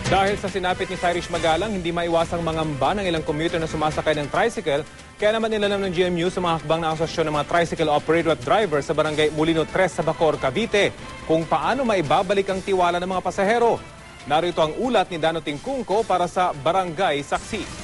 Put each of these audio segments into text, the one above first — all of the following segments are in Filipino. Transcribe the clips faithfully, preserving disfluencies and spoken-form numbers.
Dahil sa sinapit ni Cyrus Magalang, hindi maiwasang mangamba ng ilang commuter na sumasakay ng tricycle. Kaya naman nilalam ng G M U sa mga hakbang ng Asosasyon ng mga Tricycle Operator at Driver sa Barangay Molino tres sa Bacoor, Cavite, kung paano maibabalik ang tiwala ng mga pasahero. Narito ang ulat ni Dano Tingkungko para sa Barangay Saksi.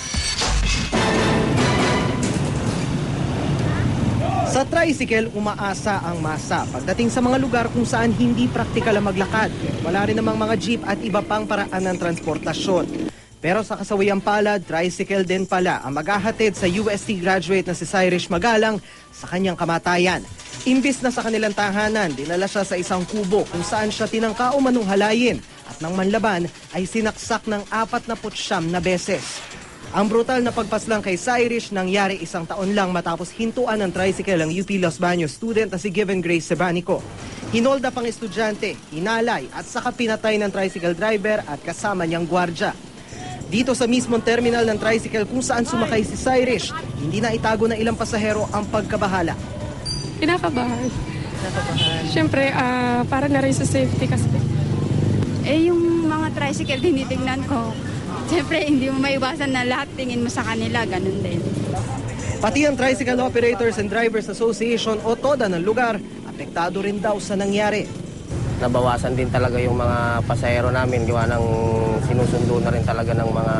Sa tricycle, umaasa ang masa pagdating sa mga lugar kung saan hindi praktikal ang maglakad. Wala rin namang mga jeep at iba pang paraan ng transportasyon. Pero sa kasawayang palad, tricycle din pala ang maghahatid sa U S T graduate na si Cyrus Magalang sa kanyang kamatayan. Imbis na sa kanilang tahanan, dinala siya sa isang kubo kung saan siya tinangka o manuhalayin at nang manlaban ay sinaksak ng apat na putsyam na beses. Ang brutal na pagpaslang kay Cyrus nangyari isang taon lang matapos hintuan ng tricycle ang U P Los Baños student na si Given Grace Sebanico. Hinolda pang estudyante, hinalay at saka pinatay ng tricycle driver at kasama niyang gwardya. Dito sa mismong terminal ng tricycle kung saan sumakay si Cyrus, hindi na itago ng ilang pasahero ang pagkabahala. Kinakabahan. Kinakabahan. Siyempre, uh, para na rin sa safety kasi. Eh, yung mga tricycle tinitingnan ko, siyempre, hindi mo maiwasan na lahat tingin mo sa kanila, ganun din. Pati ang Tricycle Operators and Drivers Association o TODA ng lugar, apektado rin daw sa nangyari. Nabawasan din talaga yung mga pasahero namin, gawa ng sinusundo na rin talaga ng mga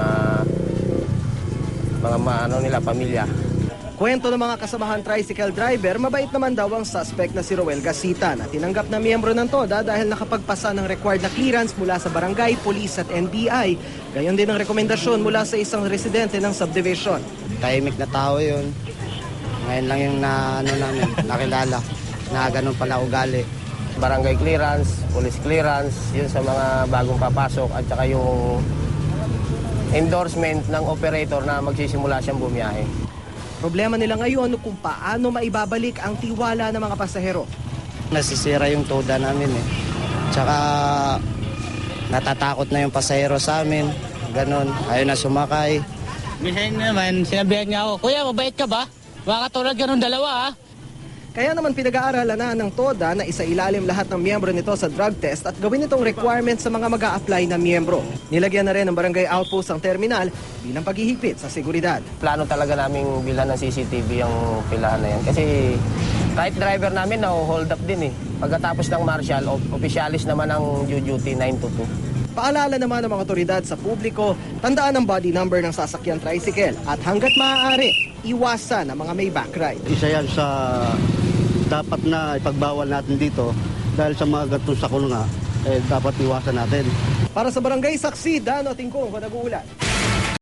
mga ano nila, pamilya. Kwento ng mga kasamahan tricycle driver, mabait naman daw ang suspect na si Roel Gasita na tinanggap na miyembro ng TODA dahil nakapagpasa ng required na clearance mula sa barangay, police at N B I. Gayon din ang rekomendasyon mula sa isang residente ng subdivision. Tahimik na tao yun. Ngayon lang yung na, ano namin, nakilala na ganun pala ugali. Barangay clearance, police clearance, yun sa mga bagong papasok at saka yung endorsement ng operator na magsisimula siyang bumiyahe. Problema nila ngayon kung paano maibabalik ang tiwala ng mga pasahero. Nasisira yung TODA namin eh. Tsaka natatakot na yung pasahero sa amin. Ganon, ayaw na sumakay. Minsan naman, sinabihan niya ako, Kuya, mabait ka ba? Baka katulad ganun dalawa ah. Kaya naman pinag-aaralan na ng TODA na isailalim lahat ng miyembro nito sa drug test at gawin itong requirement sa mga mag-a-apply na miyembro. Nilagyan na rin ng barangay outpost ang terminal bilang paghihigpit sa seguridad. Plano talaga naming bilhan ng C C T V yung pilahan na yan. Kasi kahit driver namin na-hold up din eh. Pagkatapos ng marshal, officialis naman ang due duty nine to two. Paalala naman ng mga otoridad sa publiko, tandaan ang body number ng sasakyan tricycle at hanggat maaari, iwasan ang mga may backride. Isa yan sa dapat na ipagbawal natin dito dahil sa mga gatong sakol nga, eh, dapat iwasan natin. Para sa Barangay Saksi, Dano Tingkungko, nag-uulat.